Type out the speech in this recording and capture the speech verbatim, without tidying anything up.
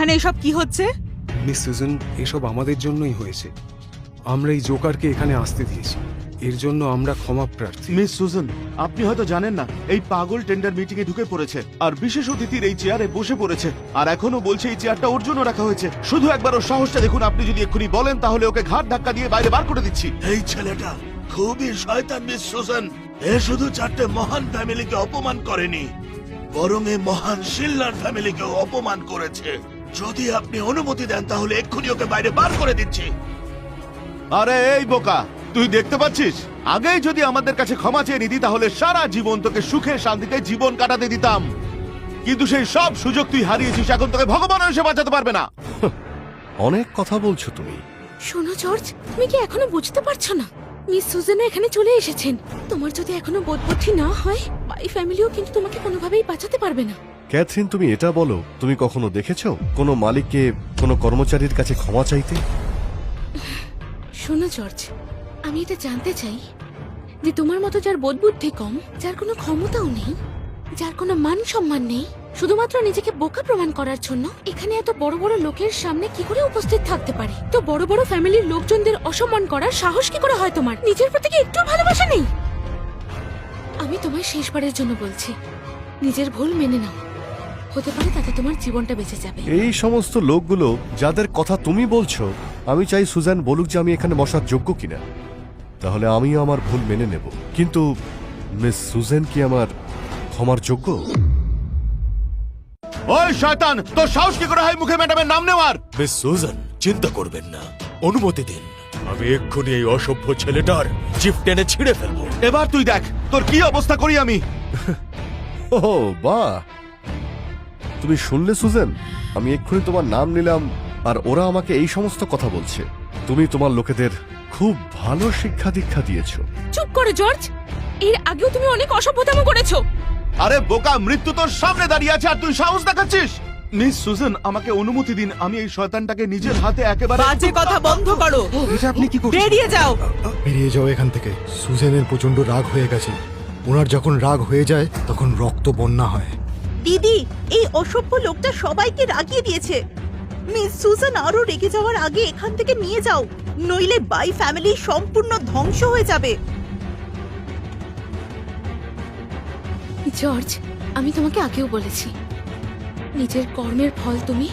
এখানে এসব কি হচ্ছে? মিস সুজন, এসব আমাদের জন্যই হয়েছে। আমরা এই জোকারকে এখানে আসতে দিয়েছি, এর জন্য আমরা ক্ষমা প্রার্থী। মিস সুজন, আপনি হয়তো জানেন না এই পাগল টেন্ডার মিটিং এ ঢুকে পড়েছে আর বিশেষ অতিথির এই চেয়ারে বসে পড়েছে, আর এখনো বলছে এই চেয়ারটা ওর জন্য রাখা হয়েছে। শুধু একবার ওর সাহসটা দেখুন, আপনি যদি এক্ষুনি বলেন তাহলে ওকে ঘাট ধাক্কা দিয়ে বাইরে বার করে দিচ্ছি। এই ছেলেটা খুবই শয়তান মিস সুজন। এ শুধু চারটে মহান ফ্যামিলিকে অপমান করেনি, বরং এই মহান শিল্লার ফ্যামিলিকেও অপমান করেছে। যদি আপনি অনুমতি দেন তাহলে এক্ষুনি ওকে বাইরে বার করে দিচ্ছি। আরে এই বোকা, তুই দেখতে পাচ্ছিস, আগেই যদি আমাদের কাছে ক্ষমা চেয়ে নিতি তাহলে সারা জীবন তোকে সুখে শান্তিতে জীবন কাটাতে দিতাম, কিন্তু সেই সব সুযোগ তুই হারিয়েছিস। এখন তোকে ভগবান এসে বাঁচাতে পারবে না। অনেক কথা বলছো তুমি। শোনো জর্জ, তুমি কি এখনো বুঝতে পারছো না? মিস সুজানা এখানে চলে এসেছেন। তোমার যদি এখনো বোধবুদ্ধি না হয়, বাই ফ্যামিলিও কিন্তু তোমাকে কোনোভাবেই বাঁচাতে পারবে না। ক্যাথরিন, তুমি এটা বলো, তুমি কখনো দেখেছো কোনো মালিককে কোনো কর্মচারীর কাছে ক্ষমা চাইতে? শোনো জর্জ, আমি এটা জানতে চাই যে তোমার মতো যার বোধবুদ্ধি কম, যার কোনো ক্ষমতাও নেই, যার কোনো মান সম্মান নেই, শুধুমাত্র নিজেকে বোকা প্রমাণ করার জন্য এখানে এত বড় বড় লোকের সামনে কি করে উপস্থিত থাকতে পারে? তো বড় বড় ফ্যামিলির লোকজনদের অসম্মান করার সাহস কি করে হয় তোমার? নিজের প্রতি কি একটু ভালোবাসা নেই? আমি তোমায় শেষবারের জন্য বলছি, নিজের ভুল মেনে নাও। হতে পারে তাতে তোমার জীবনটা বেঁচে যাবে। এই সমস্ত লোকগুলো যাদের কথা তুমি বলছো, আমি চাই সুজান বলুক যে আমি এখানে বসার যোগ্য কিনা, তাহলে আমিও আমার ভুল মেনে নেব। কিন্তু মিস সুজান কি আমার ক্ষমার যোগ্য? ওই শয়তান, তোর সাহস কি করে হয় মুখে ম্যাডামের নাম নেওয়ার? মিস সুজন, চিন্তা করবেন না, অনুমতি দিন। আমি এক্ষুনি এই অসভ্য ছেলেটার জিপ টেনে ছিঁড়ে ফেলবো। এবার তুই দেখ তোর কি অবস্থা করি আমি। ও বাহ, তুমি শুনলে সুজান? আমি এক্ষুনি তোমার নাম নিলাম আর ওরা আমাকে এই সমস্ত কথা বলছে। তুমি তোমার লোকেদের খুব ভালো শিক্ষা দীক্ষা দিয়েছো। চুপ করো জর্জ, এর আগেও তুমি অনেক অসভ্যতাম করেছো। আরে বোকা, মৃত্যু তোর সামনে দাঁড়িয়ে আছে আর তুই সাহস দেখাচ্ছিস? মিস সুজন, আমাকে অনুমতি দিন, আমি এই শয়তানটাকে নিজের হাতে একেবারে। বাজে কথা বন্ধ করো, এটা আপনি কি করছেন? বেরিয়ে যাও। বেরিয়ে যাও এখান থেকে। সুজেনের প্রচন্ড রাগ হয়ে গেছে। ওনার যখন রাগ হয়ে যায় তখন রক্ত বন্যা হয়। দিদি, এই অসভ্য লোকটা সবাইকে রাগিয়ে দিয়েছে। মিস সুজান আরো রেগে যাওয়ার আগে এখান থেকে নিয়ে যাও, নইলে বাই ফ্যামিলি সম্পূর্ণ ধ্বংস হয়ে যাবে। জর্জ, আমি তোমাকে আগেও বলেছি, নিজের কর্মের ফল তুমি